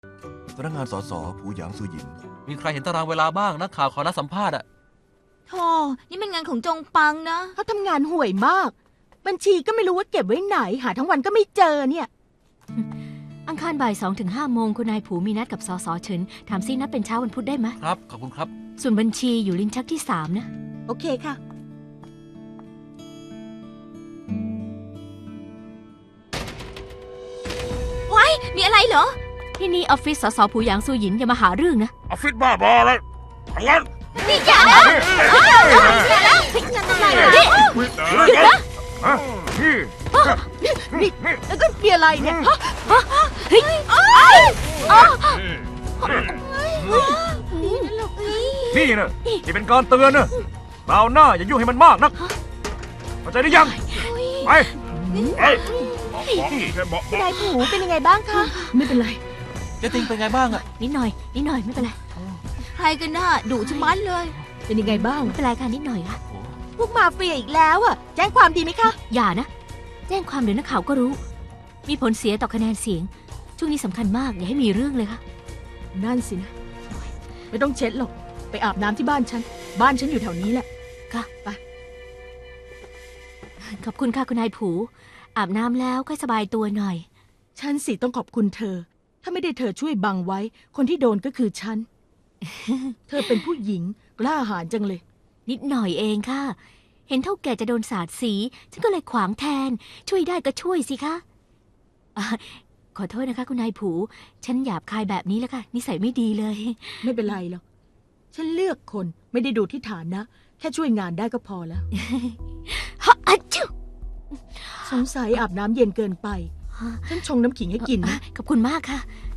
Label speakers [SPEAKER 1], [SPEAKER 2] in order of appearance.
[SPEAKER 1] พนักงานสสผูหยางซูหยิน
[SPEAKER 2] มีใครเห็นตารางเวลาบ้างนักข่าวขอนัดสัมภาษณ์อะ
[SPEAKER 3] โธ่นี่มันงานของจงปังนะ
[SPEAKER 4] เขาทำงานห่วยมาก บัญชีก็ไม่รู้ว่าเก็บไว้ไหน หาทั้งวันก็ไม่เจอเนี่ย
[SPEAKER 5] อังคารบ่าย2 ถึง 5 โมงคุณนายผูมีนัดกับสสเฉินถามซินัดเป็นเช้าวันพุธได้ไหม
[SPEAKER 2] ครับขอบคุณครับ
[SPEAKER 5] ส่วนบัญชีอยู่ลิ้นชักที่ 3 นะ
[SPEAKER 4] โอเคค่ะ
[SPEAKER 3] มีอะไรเหรอ
[SPEAKER 5] ที่นี่ออฟฟิศสสผูหยางซูหยินอย่ามาหาเรื่องนะ
[SPEAKER 6] ออฟฟิศบ้าบออะไรทางนั้น
[SPEAKER 3] นี่อย่านะอย่านะงานอะไรเนี่ย
[SPEAKER 6] หยุดนะนี่
[SPEAKER 4] แล้วก็มีอะไรเนี่ยฮะ
[SPEAKER 6] นี่นะนี่เป็นการเตือนนะคราวหน้าอย่ายุ่งให้มันมากนักเข้าใจหรือยังไปบอกแค่บอก
[SPEAKER 4] คุณนายผูเป็นยังไงบ้างคะ ไม่เป็นไร
[SPEAKER 2] เจติงเป็นไงบ้างอะ
[SPEAKER 5] นิดหน่อยไม่เป็นไร
[SPEAKER 3] ใครกันน่ะดุชะมัดเลย
[SPEAKER 4] เป็นยังไงบ้าง
[SPEAKER 5] ไม่เป็นไรค่ะนิดหน่อยค่ะ
[SPEAKER 4] พวกมาเฟียอีกแล้วอ่ะ แจ้งความดีไหมคะ
[SPEAKER 5] อย่านะ แจ้งความเดี๋ยวนักข่าวก็รู้ มีผลเสียต่อคะแนนเสียง ช่วงนี้สำคัญมากอย่าให้มีเรื่องเลยค่ะ
[SPEAKER 4] นั่นสินะ ไม่ต้องเช็ดหรอก ไปอาบน้ำที่บ้านฉัน บ้านฉันอยู่แถวนี้แหละ
[SPEAKER 5] ค่ะ
[SPEAKER 4] ไป
[SPEAKER 5] ขอบคุณค่ะคุณนายผูอาบน้ำแล้วค่อยสบายตัวหน่อย
[SPEAKER 4] ฉันสิต้องขอบคุณเธอ ถ้าไม่ได้เธอช่วยบังไว้ คนที่โดนก็คือฉัน เธอเป็นผู้หญิงกล้าหาญจังเลย
[SPEAKER 5] นิดหน่อยเองค่ะ เห็นเท่าแก่จะโดนสาดสี ฉันก็เลยขวางแทน ช่วยได้ก็ช่วยสิคะอ่ะขอโทษนะคะคุณนายผู ฉันหยาบคายแบบนี้แล้วค่ะ นิสัยไม่ดีเลย
[SPEAKER 4] ไม่เป็นไรหรอก ฉันเลือกคนไม่ได้ดูที่ฐานนะ แค่ช่วยงานได้ก็พอแล้ว
[SPEAKER 5] ฮะอะจิ๊ว
[SPEAKER 4] สงสัยอาบน้ำเย็นเกินไป ฉันชงน้ำขิงให้กินนะ
[SPEAKER 5] ขอบคุณมากค่ะ